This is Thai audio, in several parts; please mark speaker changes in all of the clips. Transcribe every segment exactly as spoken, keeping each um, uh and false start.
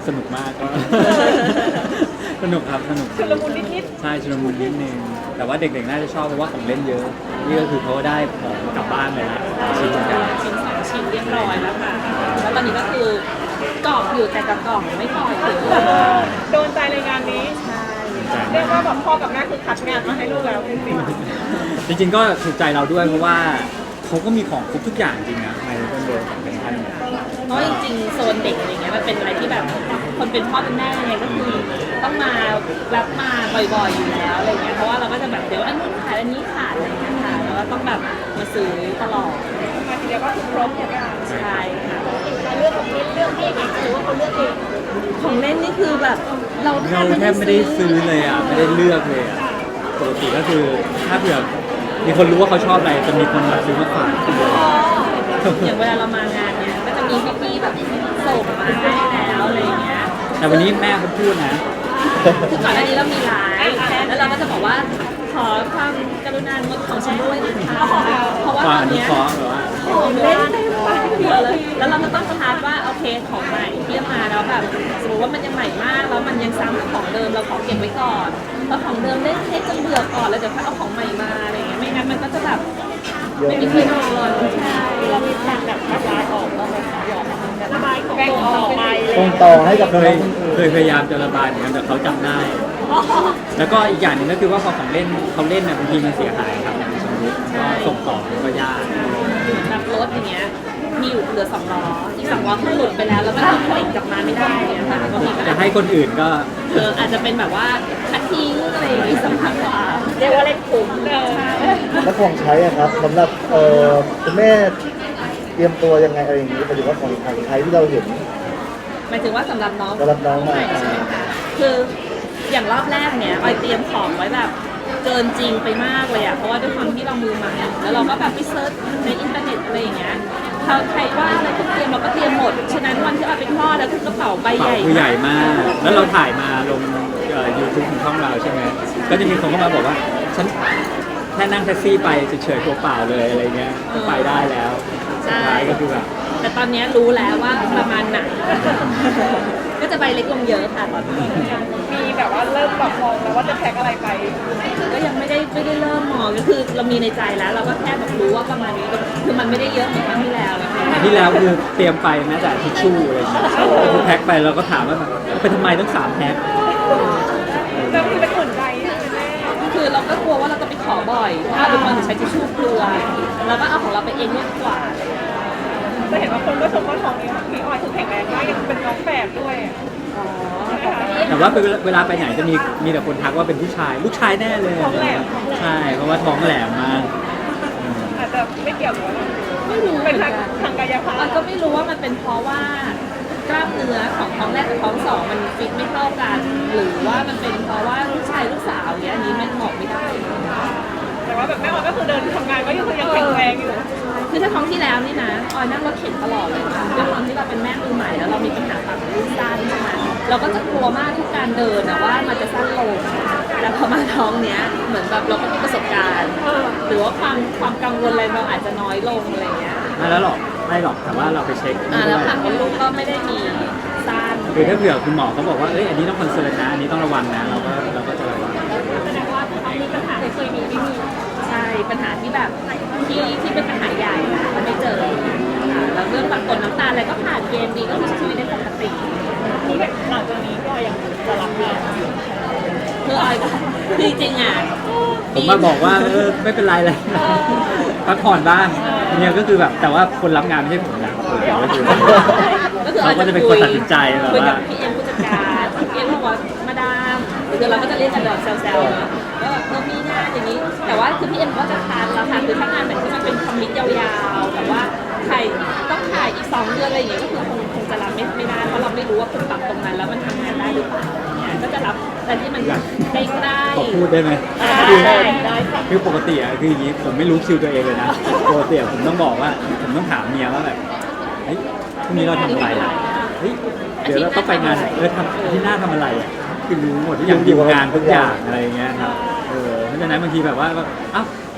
Speaker 1: สนุกมากก็ สนุกครับสนุก
Speaker 2: ชุลมุนนิด
Speaker 1: ใช่ชุลมุนนิดนึงแต่ว่าเด็กๆน่าจะชอบเพราะว่าของเล่นเยอะนี่ก็คือเขาได้ของกลับบ้านเลยนะชิ้นเหมือนกัน
Speaker 3: ชิ้นสองชิ้นเรียบร้อยแล้วค่ะ แล้วตอนนี้ก็คือกรอบอยู่แต่กับกล่องไม่ปล่อยเลย
Speaker 2: ๆโดนใจในงานนี้
Speaker 3: ใช่
Speaker 2: เรียกว่าแบบพ่อกับแม่คือคัดงานมาให้ลูกแล้วจริง
Speaker 1: จริงๆก็ถูกใจเราด้วยเพราะว่าเขาก็มีของครบทุกอย่างจริงนะในต้นเดือนของเป็นท่านเนี่ย
Speaker 3: เพราะจริงๆโซนเด็กอะไรเงี้ยมันเป็นอะไรที่แบบคนเป็นพ่อเป็นแม่เนี่ยก็คือต้องมารับมาบ่อยๆอยู่แล้วอะไรเงี้ยเพราะว่าเราก็จะแบบเดี๋ยวอันนู้นขาดอันนี้ขาดอะไรเงี้ยค่ะแล้วก็ต้องแบบมาซื้อตลอด
Speaker 2: ๆมาทีเดียวก็คือครบทุกอย่าง
Speaker 3: ใช่ค่ะ
Speaker 2: เรื่องของเรื่องที่เองหรือว่าเขาเลือกเอง
Speaker 3: ของเล่นนี่คือแบบเรา
Speaker 1: เราแทบไม่ได้ซื้อเลยอ่ะไม่ได้เลือกเลยอ่ะปกติก็คือถ้าเผื่อมีคนรู้ว่าเขาชอบอะไรจะมีคนมาซื้อมาฝาก
Speaker 3: อย่างเวลาเรามางานเนี่ยก็จะมีพี่ๆแบบส่งมาให้แล้วอะไรเงี้ย
Speaker 1: แต่วันนี้แม่เขาพูดนะ
Speaker 3: คือก่อนหน้านี้เรามีไลฟ์แล้วเราก็จะบอกว่าขอความกรุณางดของชำร่วยนะคะเพราะว่า
Speaker 1: ควา
Speaker 3: ต
Speaker 1: ม
Speaker 3: อ
Speaker 1: อน นุ
Speaker 3: เนี้ย
Speaker 1: เคราะห์แบบว่า
Speaker 3: ของเล่นเต็มไปหมดเลยแล้วเราก็ต้องคาดว่าโอเคของใหม่ที่มาแล้วแบบสมมติว่ามันยังใหม่มากแล้วมันยังซ้ำกับของเดิมเราขอเก็บไว้ก่อนเพราะของเดิมเล่นให้จนเบื่อก่อนแล้วเดี๋ยวค่อยเอาของใหม่มาอะไรอย่างเงี้ยไม่งั้นมันก็จะแบบไม่มีที่นอนใช่
Speaker 2: เรามีแผนแบบระบายออกเราเลยหยอกระบายของต่อไป
Speaker 4: ส่งต่อให้กับ
Speaker 1: เค
Speaker 4: น้
Speaker 1: ย
Speaker 4: องคนอื่น
Speaker 1: เคยพยายามจะระบายเหมือนกันแต่เขาจำได้ แล้วก็อีกอย่างหนึ่งก็คือว่าพอของเล่นเขาเล่นน่ะบางทีมันเสียหายครับอย่างสมมติก็ส่งต่อมันก็ยาก
Speaker 3: แบบรถอย่างเงี้ยมีอยู่เหลือสองล้ออีกสองล้อคือหลุดไปแล้วแล้วก็เอาผลิตกลับมาไม่ได้เนี่ยค่ะบางทีก็
Speaker 1: จะให้คนอื่นก็
Speaker 3: เอออาจจะเป็นแบบว่าคัดทิ้งอะไรอย่างงี้สำคัญกว่า
Speaker 2: เรียกว่าเล่นคุ้มเออ
Speaker 4: และของใช้อะครับสำหรับเอ่อคุณแม่เตรียมตัวยังไงอะไรอย่างนี้หมายถึงว่าของของใช้ที่เราเห็น
Speaker 3: หมายถึงว่าสำหรับน้อง
Speaker 4: สำหรับน้อง
Speaker 3: ใหม่ใช่ไหมคะคืออย่างรอบแรกเนี่ยออยเตรียมของไว้แบบเกินจริงไปมากเลยอะเพราะว่าด้วยความที่เรามือใหม่แล้วเราก็แบบไปเซิร์ชในอินเทอร์เน็ตอะไรอย่างเงี้ยเขาใครว่าอะไรก็เตรียมเราก็เตรียมหมดฉะนั้นวันที่ออยไปคลอดแล้วคือกระเป๋าใบ
Speaker 1: เป่า
Speaker 3: ใหญ่
Speaker 1: คือใหญ่
Speaker 3: มาก
Speaker 1: มาก แล้วเราถ่ายมาลงยูทูบของช่องเราใช่ไหมก็จะมีคนเข้ามาบอกว่าฉันแค่นั่งแท็กซี่ไปเฉยๆตัวเปล่าเลยอะไรเงี้ยก็ไปได้แล้วสุดท้ายก็คือแบบ
Speaker 3: แต่ตอนนี้รู้แล้วว่าประมาณไหน ก็จะใบเล็กลงเยอะค่ะตอนนี้
Speaker 2: มีแบบว่าเริ่มแบบมองแล้วว่าจะแพ็คอะไรไป
Speaker 3: ก็ยังไม่ได้ไม่ได้เริ่มมองก็คือเรามีในใจแล้ว เราก็แค่แบบรู้ว่าประมาณนี้คือมันไม่ได้เยอะเหมือนครั้งที่แล้วนะคะ
Speaker 1: ที่แล้วคือเตรียมไปแม้แต่ทิชชู่อะไรเงี้ยคือแพ็คไปเราก็ถามว่าแบบไปทำไมต้องสามแพ็ค
Speaker 2: แล้วมีเป็นอุ่นใจใช่ไหมแม่
Speaker 3: คือเราก็กลัวว่าเราจะไปขอบ่อยถ้าเป็นคนจะใช้ทิชชู่กลัวเราก็เอาของเราไปเองดีกว่า
Speaker 2: จะเห็นว่าคนก็ชมว่าท้องนี้พี่ออยคือแข็งแรงมากยังเป็นน้องแฝดด้วย
Speaker 3: อ๋อ
Speaker 1: แต่ว่าเวลาไปไหนจะมีมีแต่คนทักว่าเป็นผู้ชายลูกชายแน่เลยใช่เพราะว่าท้องแหลมมาก
Speaker 2: อาจจะไม่เกี่ยวกับ
Speaker 3: ไม่รู้เหมื
Speaker 2: เป็
Speaker 3: อน น
Speaker 2: ทาง
Speaker 3: กัน
Speaker 2: ทางกายภา
Speaker 3: เรา
Speaker 2: พ
Speaker 3: ก็ไม่รู้ว่ามันเป็นเพราะว่ากล้ามเนื้อของท้องแรกกับท้องสองมันฟิตไม่เท่ากัน หรือว่ามันเป็นเพราะว่าลูกชายลูกสาวเนี้ยอันนี้มันบอกไม่ได้
Speaker 2: แต่ว่าแบบแม่ออยก็คือเดินทำงานก็ยังคือยังแข็งแรงอยู่
Speaker 3: คือถ้าท้องที่แล้วนี่นะออยนั่งรถเข็นตลอดเลยค่ะด้วยความที่เราเป็นแม่มือใหม่แล้วเรามีปัญหาปากรูดสั้นใช่ไหมเราก็จะกลัวมากทุกการเดินนะว่ามันจะสั้นลงแต่พอมาท้องเนี้ยเหมือนแบบเราก็มีประสบการณ์
Speaker 2: เออ
Speaker 3: หรือว่าความความกังวลอะไรเราอาจจะน้อยลงอะไรเงี้ย
Speaker 1: ไม่แล้วหรอกไม่หรอกแต่ว่าเราไปเช็ค
Speaker 3: อ่า
Speaker 1: ด้
Speaker 3: แล้ว
Speaker 1: วย
Speaker 3: ผักมดลูกก็ไม่ได้มีสั้น
Speaker 1: คือถ้าเผื่อคุณหมอเขาบอกว่าเอ้ยอันนี้ต้องคอนเซิร์นนะอันนี้ต้องระวังนะเราก็เราก็จะระวัง
Speaker 2: แสดงว่าท้องมีปัญหาเคยมีไม่มี
Speaker 3: ใช่ปัญหาที่แบบที่ที่เป็นปัญหาใหญ่นะมันไม่เจอค่ะแล้วเรื่องแบบกดน้ำตาลอะไรก็ผ่านเกณฑ์ดีก็ใช้ชีวิตได้ปกติ
Speaker 2: นี่แบบหลังจากนี้ก็ยังจะรับงานอยู่
Speaker 3: คือออยก็คือจริงๆอ่ะ
Speaker 1: ผมมาบอกว่าเออไม่เป็นไรเลยพักผ่อนบ้างเนี่ยก็คือแบบแต่ว่าคนรับงานไม่ใช่ผมนะผมก็คือ
Speaker 3: ก็คือ
Speaker 1: เราก็จะเป็นคนตัดสินใจแบบ
Speaker 3: คุยกั
Speaker 1: ว่า
Speaker 3: บพี่เอ็มผู้จัดการพี่เอ็มบอกว่ามาดามคือเราก็จะเรียกกันแบบแซวๆเนาะแล้วแบบเรามีงานอย่างนี้ แต่ว่าคือพี่เอ็มก็จะทานเราค่ะคือถ้างานไหนที่มันเป็นคอมมิตยาวๆแต่ว่าถ่ายต้องถ่ายอีกสองเดือนอะไรอย่างเงี้ยก็คือคงคงจะรับไม่ไม่ได้เพราะเราไม่รู้ว่าคุณปรับตรงนั้นแล้วมันทำงานได้หรือเปล่าเนี่ยก็จะรับแต่ที่มันใกล้
Speaker 1: ขอพูดได้ไหม
Speaker 3: ๆ
Speaker 1: คือ
Speaker 3: ได้ได้ค่ะ
Speaker 1: คือปกติอะคืออย่างนี้ผมไม่รู้คิวตัวเองเลยนะปกติอะผมต้องบอกว่าผมต้องถามเมียว่าแบบเฮ้ยพรุ่งนี้เราทำอะไรอะเฮ้ยเดี๋ยวเราต้องไปงานเออทำที่หน้าทำอะไรอะคือรู้หมดทุกอย่างดีลงานทุกอย่างอะไรอย่างเงี้ยครับเออเพราะฉะนั้นบางทีแบบว่าแบบอ้าว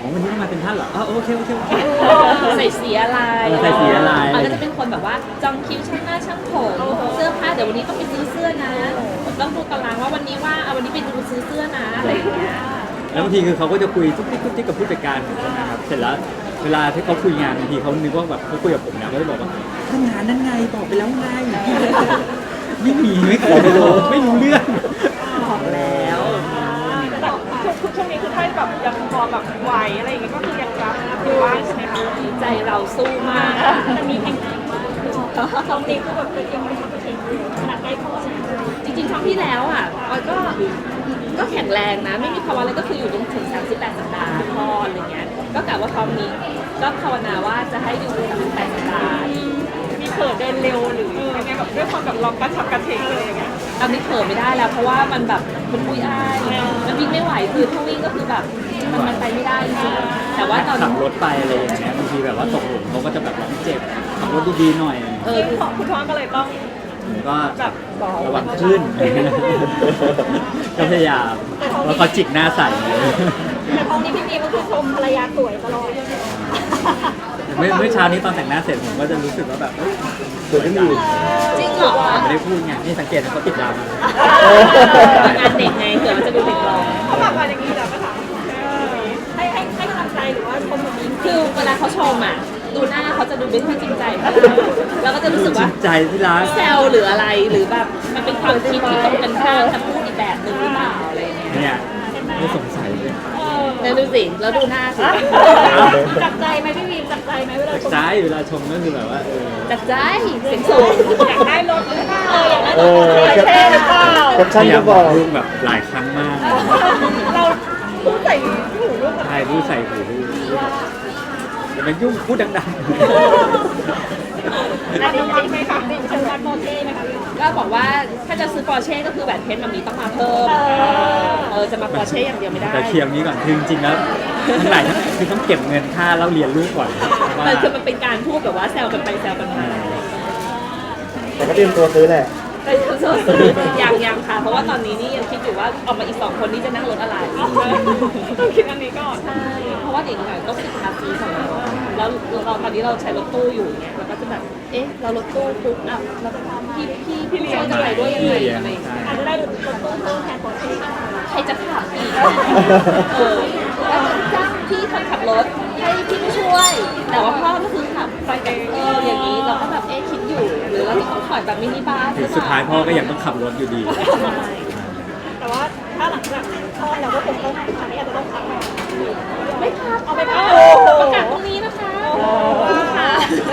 Speaker 1: อ๋อวันนี้ต้องมาเป็นท่านเหรออ๋อโอเคโอเคโอเค
Speaker 3: ใส่สีอะไร
Speaker 1: เออใส่สีอะไร
Speaker 3: มันก็จะเป็นคนแบบว่าจองคิวช่างหน้าช่างผมเสื้อผ้าเดี๋ยววันนี้ต้องไปซื้อเสื้อนะต้องดูตารางว่าวันนี้ว่าเอาวันนี้ไปดูซื้อเสื้อนะอะไรอย่างเงี้ย
Speaker 1: แล้วบางทีคือเขาก็จะคุยทุกทิกทุกทิกกับผู้จัดการผมใช่ไหมครับเสร็จแล้วเวลาที่เขาคุยงานบางทีเขานึกว่าแบบเขาคุยกับผมนะเขาจะบอกว่าทำงานนั่นไงบอกไปแล้วไงไม่มีไม่เคยไม่รู้ไม่รู้เรื่อง
Speaker 3: บอกแล้ว
Speaker 2: แต่ช่วงช่วงนี้คือถ้าแบบยังพอแบบไหวอะไรอย่างเงี้ยก็คือยังรับอยู่บ้างใช่ไหมคะ
Speaker 3: ใจเราสู้มาก
Speaker 2: แต่มีแข่งขันมากตอนนี้คือแบบเป็นยังไม่ทำเป็นขนาดใกล้พ่อ
Speaker 3: จริงๆท้องที่แล้วอ่ะออยก็ก็แข็งแรงนะ ไม่มีภาวะอะไรก็คืออยู่จนถึงสามสิบแปดสัปดาห์คลอดอะไรเงี้ยก็กะว่าท้องนี้ก็ภาวนาว่าจะให้อยู่ถึงสามสิบแปดสัปดาห์
Speaker 2: มีเปิดเดินเร็วหรือยังไงแบบด้วยความแบบลองกระฉับกระเฉงเลยอย่างเงี้ย
Speaker 3: ตอนนี้เผลอไม่ได้แล้ว เพราะว่ามันแบบมันปุยอ้ายมันวิ่งไม่ไหวคือถ้าวิ่งก็คือแบบมันมันไปไม่ได้จริงๆแต่ว่าตอน
Speaker 1: ขับรถไปอะไรอย่างเงี้ยบางทีแบบว่าตกหลุมเขาก็จะแบบร้องเจ็บขับรถดีๆหน่อย
Speaker 3: เออ
Speaker 2: ซึ่งคุณท้องก็เลยต้อง
Speaker 1: ผมก็
Speaker 2: แบบ
Speaker 1: ระวังขึ้น ก็พยายามแล้วเขาจิกหน้าใส่
Speaker 2: แต่ท้องนี้พี่มีก็คือชมภรรยาสวยตลอด
Speaker 1: เมื่อเมื่อเช้านี้ตอนแต่งหน้าเสร็จผมก็จะรู้สึกว่าแบบเอ้ย
Speaker 4: สวยขึ้นอยู่
Speaker 3: จริงเหรอ
Speaker 1: ไม่ได้พูดไงนี่สังเกตเขาติดดาว
Speaker 3: งานเด็กไงเผื่อมันจะดูเด็กลง
Speaker 2: เขาแบบมาอย่างนี้แล้วก็ถามให้ให้ให้กำลังใจหรือว่าชมแบบนี้
Speaker 3: คือเวลาเขาชมอ่ะดูหน้าเขาจะดูไม่ค่อยจริงใจแล้วก็จะรู้สึก
Speaker 1: จริ
Speaker 3: ว่า
Speaker 1: งใจที่รัก
Speaker 3: แซวหรืออะไรหรือแบบมันเป็นความคิดที่ตรงกันข้ามจะพูดอีกแบบหนึ่งหรือเปล่าอะไรเงี้ย
Speaker 1: เนี่ยไม่สงสัยเลย
Speaker 3: เนี่ยดูสิแล้วดูหน้าสิ
Speaker 2: จับใจไหมพี่วีมจับใจไหมเวลา
Speaker 1: จาก
Speaker 2: ชม
Speaker 1: ซ้ายเวลาชมก็คือแบบว่าเออ
Speaker 3: จัดใจเสียงสูง
Speaker 2: อยากได้รถหรือเปล่าอยากได้
Speaker 4: เอ
Speaker 2: รถ
Speaker 4: อ
Speaker 2: เท่หรือเปล่า
Speaker 4: แคป
Speaker 1: พ
Speaker 4: ชั่น
Speaker 1: ยายา
Speaker 4: ก็
Speaker 1: ม
Speaker 4: บบ อ
Speaker 1: อก กลูกแบบหลายครั้งมาก
Speaker 2: เราพูดใส่หูลูก
Speaker 1: ใช่พูดใส่หูลูกอย่ามายุ่งพูดดัง
Speaker 2: อันนี้วัดไหมคะดิฉันวัดโมเท่ไหมคะพี่
Speaker 3: ก็บอกว่าถ้าจะซื้อปอร์เช่ก็คือแหวนเพชรมันมีต้องมาเพิ่มเออจะมาปอร์เช่อย่างเดียวไม่ได้
Speaker 1: ๆแต่เคลียร์นี้ก่อนคือจริงๆแล้วทั้งหลายทั้งคือต้องเก็บเงินค่าเล่าเรียนลูกก่อนว่า
Speaker 3: มันคือมันเป็นการพูดแบบว่าแซวกันไปแซวกันมา
Speaker 4: แต่ก็เตรียมตัวซื้อแหละ
Speaker 3: แต่ยังยังค่ะ เพราะว่าตอนนี้นี่ยังคิดอยู่ว่าออกมาอีกสองคนนี้จะนั่งรถอะไร
Speaker 2: ต้องคิดอันนี้ก่อน
Speaker 3: ใช่เพราะว่าเด็กหน่อยต้องติดภาษีของเราแล้วเราตอนนี้เราใช้รถตู้อยู่เนี่ยเราก็จะแบบเอ๊ะเรารถตู้ปุ๊บอ่ะเราพี่พี่พี่เลี้ยงจะไปด้วยยังไงอะไรอย่างเงี้ย
Speaker 2: อาจจะได้รถตู้เพิ่มแทนโมเท่
Speaker 3: ใครจะขับอีกเออแล้วก็จ้างพี่คนขับรถให้พี่ไม่ช่วย แต่ว่าพ่อก็คือขับไปกับเอออย่างนี้เราก็แบบเอ๊ะคิดอยู่ หรือเราจะต้องถอยแบบมินิบัสห
Speaker 1: ถึ
Speaker 3: รื
Speaker 1: ง
Speaker 3: อเป
Speaker 1: สุด
Speaker 3: ล่า
Speaker 1: ท้ายพ่อก็ยังต้องขับรถอยู่ดี
Speaker 2: แต่ว่าถ้าหลังจากคลอดแล้วก็คงต้องอันนี้อาจจะต้องพัก
Speaker 3: ไม่พัก
Speaker 2: เอาไปพัก
Speaker 3: ประกาศตรงนี้นะคะค่ะ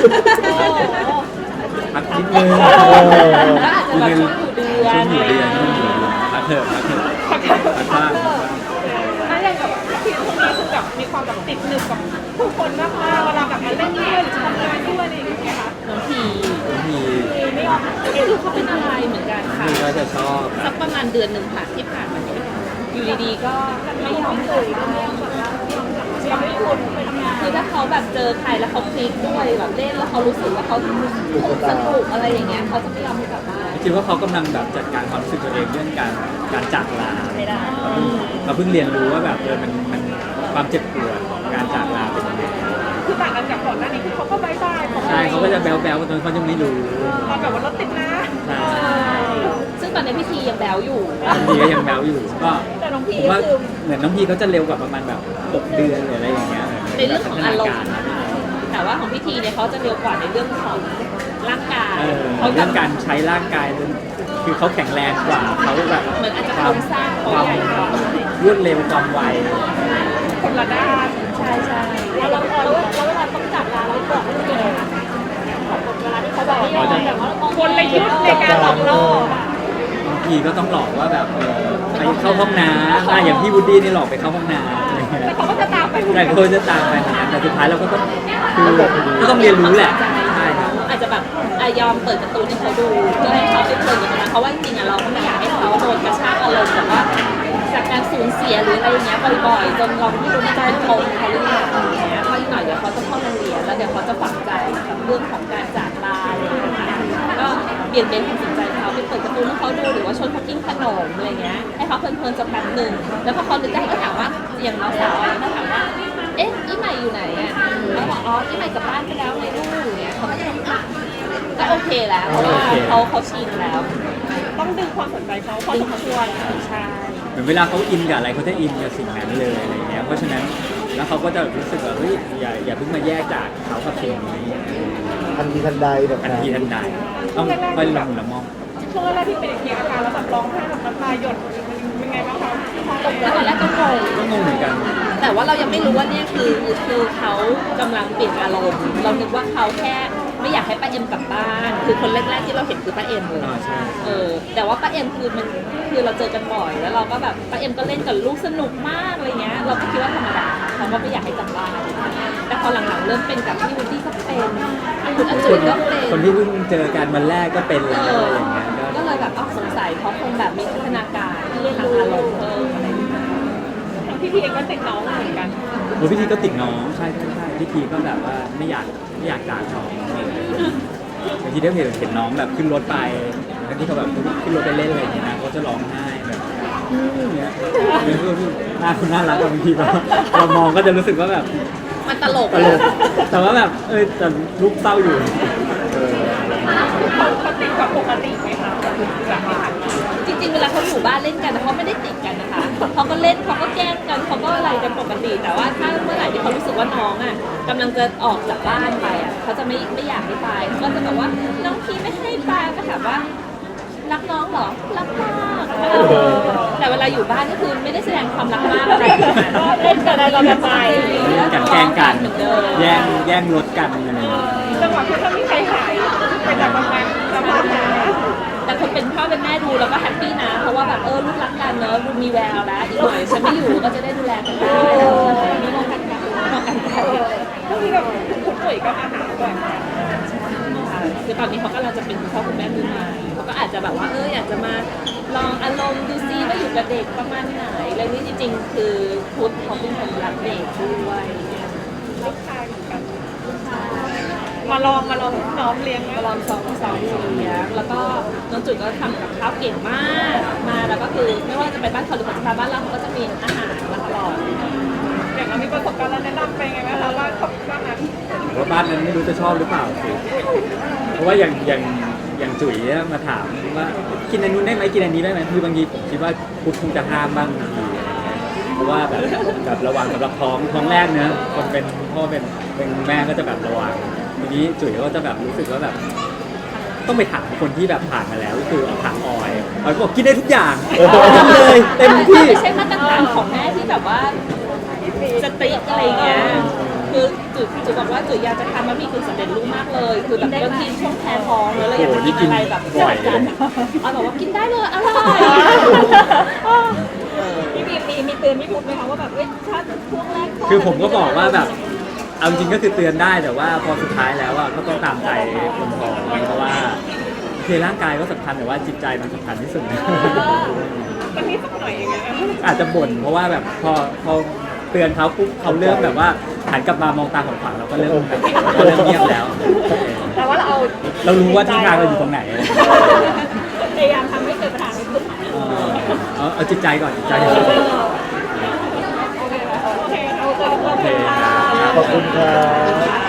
Speaker 1: พักนิดนึง
Speaker 3: ก็อาจจะแบบช่วงอยู่เดือน
Speaker 1: ช่วงอยู่เดือนช่วงอยู่เดือนพักเถอะพักเถอะพักบ้าง
Speaker 2: ถ้าอย่างแบบที่ช่วงนี้คือแบบมีความแบบติดหนึบกับผู้คนมากๆเวลาแบบมาเล่นด้วยหรือทำงานด้วยอะไรอย่างเงี้ยค่ะ
Speaker 3: น้องพี
Speaker 1: บางที
Speaker 2: ไม่ออก
Speaker 3: ไม่รู้เขาเป็นอะไรเหมือนกันค่ะ
Speaker 1: พี่ก็จะชอบ
Speaker 3: สักประมาณเดือนหนึ่งค่ะที่ผ่านมาเนี่ยอยู่ดีๆก็ไม่ยอม
Speaker 2: เคยไม่ยอมแบบว่าไม่ยอมแบบไม่ยอมให้คนไปทำงาน
Speaker 3: คือถ้าเขาแบบเจอใครแล้วเขาคลิกด้วยแบบเล่นแล้วเขารู้สึกว่าเขาสนุกอะไรอย่างเงี้ยเขาจะไม่ยอมให้กลับบ้าน
Speaker 1: คิดว่าเขากำลังแบบจัดการความรู้สึกตัวเองเรื่องการการจากลา
Speaker 3: ไม่ได้
Speaker 1: เราเพิ่งเรียนรู้ว่าแบบเออมันมันความเจ็บปวดของการจากลาเป็นยังไง
Speaker 2: คือต่างกันจากก่อนหน้านี้คือเขาก็บายบายของ
Speaker 1: ใช่เขาก็จะแบ๊วแบ๊วๆตอนเขายังไม่รู้
Speaker 2: ตอนแบบว่ารถติดนะ
Speaker 1: ใช่
Speaker 3: ซึ่งตอนนี้พี่ทียังแบวอยู่
Speaker 1: บางทีก็ยังแบ๊วอยู่ก็
Speaker 2: แต่น้องพี
Speaker 1: ผมว่า
Speaker 2: คือ
Speaker 1: เหมือนน้องพีเขาจะเร็วกว่าประมาณแบบหกเดือนหรืออะไรอย่างเงี้ย
Speaker 3: ในเรื่องของอารมณ์นะคะแต่ว่าของพี่ทีเนี่ยเขาจะเร็วกว่าในเรื่องของร่างกาย
Speaker 1: เออ
Speaker 3: เขา
Speaker 1: เรื่องการใช้ร่างกายคือเขาแข็งแรงกว่าเขาแบบ
Speaker 3: เหมือนอาจจะ
Speaker 1: ค
Speaker 3: โคร
Speaker 1: วาม
Speaker 3: งสร้างเขา
Speaker 1: ความ
Speaker 3: ใหญ่กว่า
Speaker 1: รวดเร็วความไว
Speaker 2: คนละด้าน
Speaker 3: ใช่ใช่
Speaker 2: แล้วเราแล้วแล้วเวลาต้องจับลาเราบอกไม่เป็นไงคะเวลาที่เขาแบบไม่ยอมแบบว่าคนในยุคในการหลอกล่อบ
Speaker 1: างทีก็ต้องหลอกว่าแบบเออไปเข้าห้องน้ำอ่ะอย่างพี่วูดดี้นี่หลอกไปเข้าห้องน้ำอะไรเงี้ย
Speaker 2: แต่เขาก็จะตามไป
Speaker 1: แต่เขาจะตามไปเหมือนกันแต่สุดท้ายเราก็ต้องคือก็ต้องเรียนรู้แหละใช่ครับ
Speaker 3: อาจจะแบบอ่ะยอมเปิดการ์ตูนให้เขาดูเพื่อให้เขาไปเพลินกับมันเพราะว่าจริงๆอ่ะเราก็ไม่อยากให้เขาโดนกระชากอารมณ์แบบว่าจากการสูญเสียหรืออะไรอย่างเงี้ยบ่อยๆจนเราไม่รู้จะเป็นปมเขาหรือเปล่าอย่างเงี้ยเพราะอีกหน่อยเดี๋ยวเขาจะเข้าโรงเรียนแล้วเดี๋ยวเขาจะฝังใจกับเรื่องของการจากลาอะไรอย่างเงี้ยค่ะก็เปลี่ยนเป็นความสนใจเขาไปเปิดการ์ตูนให้เขาดูหรือว่าชวนเขากินขนมอะไรเงี้ยให้เขาเพลินๆสักแป๊บหนึ่งแล้วพอเขานึกได้ก็ถามว่าอย่างน้องสาวอะไรก็ถามว่าเอ๊ะอีใหม่อยู่ไหนอ่ะแล้วบอกอ๋ออีใหม่กลับบ้านไปแล้วไงลูกเนี่ยเขาก็จะอ่ะก็โอเคแล้วเพราะว่าเขาเขาชินแล้ว
Speaker 2: ต้องดึงความสนใจเขาพอ
Speaker 3: ดึ
Speaker 2: ส
Speaker 3: ง
Speaker 2: ม
Speaker 3: เขา
Speaker 2: ค
Speaker 3: ช
Speaker 2: ว
Speaker 3: ว
Speaker 2: ร
Speaker 3: นใช่
Speaker 1: เหมือนเวลาเขาอินกับอะไรเขาจะอินกับสิ่งนั้นเลยอะไรเงี้ยเพราะฉะนั้นแล้วเขาก็จะรู้สึกว่าเฮ้ยอย่าอย่าเพิ่งมาแยกจากเขากับสิ่งนี้
Speaker 4: ทันทีทันใดแบบ
Speaker 1: ทัน
Speaker 4: นั้น
Speaker 1: ทีทันใดต้องค่อยละมุนละม่อม
Speaker 2: ช่วงแรกที่เป็นอย่างนี้อาการแล้วแบบร้องไห้แบบน้ำตาหยดเป็นไงบ้างคะ
Speaker 3: ตกแล้วตอนแรกก็งง
Speaker 1: ก็งงเหมือนกัน
Speaker 3: แต่ว่าเรายังไม่รู้ว่าเนี่ยคือคือเขากำลังเปลี่ยนอารมณ์เรานึกว่าเขาแค่ไม่อยากให้ป้าเอ็มกลับบ้าน คือคนแรกๆที่เราเห็นคือป้าเอ็มเลย
Speaker 1: อ่าใช่
Speaker 3: เออแต่ว่าป้าเอ็มคือมันคือเราเจอกันบ่อยแล้วเราก็แบบป้าเอ็มก็เล่นกับลูกสนุกมากอะไรเงี้ยเราก็คิดว่าธรรมดาเขาก็ไม่อยากให้กลับบ้านแต่พอหลังๆเริ่มเป็นกับพี่วูดดี้ก็เป็นคุณอาจุยก็เป็น
Speaker 1: คนที่เพิ่งเจอกันวันแรกก็เป็นแล้ว
Speaker 3: เอ
Speaker 1: อะไร
Speaker 3: อ
Speaker 1: อย่างเงี้ยก็
Speaker 3: ก็เลยแบบเอาสงสัยเขาคงแบบมีพัฒนาการเรียนรู้อารมณ์เพิ่มอะไรอย่างเงี้ย
Speaker 2: ทั้งพี่พีเองก็ติดน้องเหมือนกัน
Speaker 1: โอ้พิธีก็ติดน้องใช่ใช่ใช่พิธีก็แบบว่าไม่อยากไม่อยากจากน้องบางทีได้เห็นเห็นน้องแบบขึ้นรถไปบางทีเขาแบบขึ้นรถไปเล่นอะไรอย่างเงี้ยนะเขาจะร้องไห้แบบอย่างเงี้ยหน้าคุณน่ารักอะบางทีเราเรามองก็จะรู้สึกว่าแบบ
Speaker 3: มันตลก
Speaker 1: ตลกแต่ว่าแบบเออแต่ลูกเศร้าอยู่เออ
Speaker 2: เขาเขาติดกว่าปกติไหมคะแบบที่ผ่านมา
Speaker 3: จริงๆเวลาเขาอยู่บ้านเล่นกันแต่เขาไม่ได้ติดกันนะคะเขาก็เล่นเขาก็แกล้งกันเขาก็อะไรกันปกติ แต่ว่าถ้าเมื่อไหร่ที่เขารู้สึกว่าน้องอ่ะกำลังจะออกจากบ้านไปอ่ะเขาจะไม่ไม่อยากให้ไปเขาก็จะแบบว่าน้องพี่ไม่ให้ไปก็ถามว่ารักน้องเหรอรักมากเออแต่เวลาอยู่บ้านก็คือไม่ได้แสดงความรักมากอะไรก็เล่นกันอะไรกันไป
Speaker 1: กันแกล้งกัน
Speaker 3: เหมือนเดิม
Speaker 1: แย่งแย่งรถกันอะไรอย่างเงี้ย
Speaker 2: จังหวะที่ถ้ามีใครหายไปจากบางงานจะพาหา
Speaker 3: แต่คนเป็นพ่อเป็นแม่ดูแล้วก็แฮปปี้นะ เพราะว่าแบบเออลูกรักกันเนอะดูมีแววแล้วอีกหน่อยฉันไม่อยู่ก็จะได้ดูแลกันได้มีมองกันกันมองกันกัน
Speaker 2: ก็คือแบบคุณปุ๋ยก็มาหาด้วย
Speaker 3: คือตอนนี้เขากำลังจะเป็นคุณพ่อคุณแม่มือใหม่เขาก็อาจจะแบบว่าเอออยากจะมาลองอารมณ์ดูซิว่าอยู่กับเด็กประมาณไหนแล้วนี่จริงๆ คือพุทธเขาเป็นคนรักเด็กด้วย
Speaker 2: ลูกชายเหมือนกันมาลองมาลองน้องเลี้ยง
Speaker 3: มาลองสองสองเลี้ยงแล้วก็น้องจุดก็ทำกับข้าวเก่งมากมาแล้วก็คือไม่ว่าจะไปบ้านเขาหรือเขาจะมาบ้านเราเขาก็จะมีอาหารมาตลอด
Speaker 2: อย่างเรามีประสบการณ์แล้วแนะนำไปไงไหมคะว่าเขาบ้านนั้น
Speaker 1: ว่าบ้านนั้นไม่รู้จะชอบหรือเปล่าสิเพราะว่าอย่างอย่างอย่างจุ๋ยเนี่ยมาถามว่ากินอันนู้นได้ไหมกินอันนี้ได้ไหมคือบางทีผมคิดว่าพุทธคงจะห้ามบ้างบางทีอะไรเงี้ยเพราะว่าแบบแบบระวังสำหรับท้องท้องแรกเนอะคนเป็นพ่อเป็นเป็นแม่ก็จะแบบระวังทีนี้จุ๋ยก็จะแบบรู้สึกว่าแบบ ต้องไปถามคนที่แบบผ่านมาแล้วก็คือถามออยออยก็บอกกินได้ทุกอย่างทำเลยเต็มที่
Speaker 3: ไม่ใช่มาตรฐานของแม่ที่แบบว่าสติ๊กอะไรเงี้ย คือจุดจุดบอกว่าจุดอยากจะทำบะหมี่กึ่งสำเร็จรูปมากเลย คือแบบบางทีช่วงแพ้ท้องแล้วเราอยากจะกินอะไรแบบ
Speaker 1: บ่อย
Speaker 3: จัดๆเอาบอกว่ากินได้เลยอร่อย
Speaker 2: พี่มีมีมีเตือนพี่พุทธไหมคะว่าแบบเอ้ยถ้าช่วงแรก
Speaker 1: คือผมก็บอกว่าแบบเอาจริงก็คือเตือนได้แต่ว่าพอสุดท้ายแล้วอ่ะก็ต้องตามใจคนท้องเพราะว่าคือร่างกายก็สำคัญแต่ว่าจิตใจมันสำคัญที่สุด
Speaker 2: มันมีสักหน่อยอย่างเงี้ย
Speaker 1: อาจจะบ่นเพราะว่าแบบพอพอเตือนเขาปุ๊บเขาเริ่มแบบว่าหันกลับมามองตาของขวางเราก็เริ่มแบบเราเริ่มเงียบแล้ว
Speaker 2: แต่ว่าเราเอา
Speaker 1: เรารู้ว่าที่ทางเราอยู่ตรงไหน
Speaker 2: พยายามทำให้เกิดปัญหาไม่ขึ้น
Speaker 1: เออเอาเอาจิตใจก่อนจิตใจก่อน
Speaker 2: โอเคโอเคเอาเจอกัน
Speaker 1: โอเค
Speaker 2: ค่ะ
Speaker 1: ครับ
Speaker 4: ขอบคุณครับ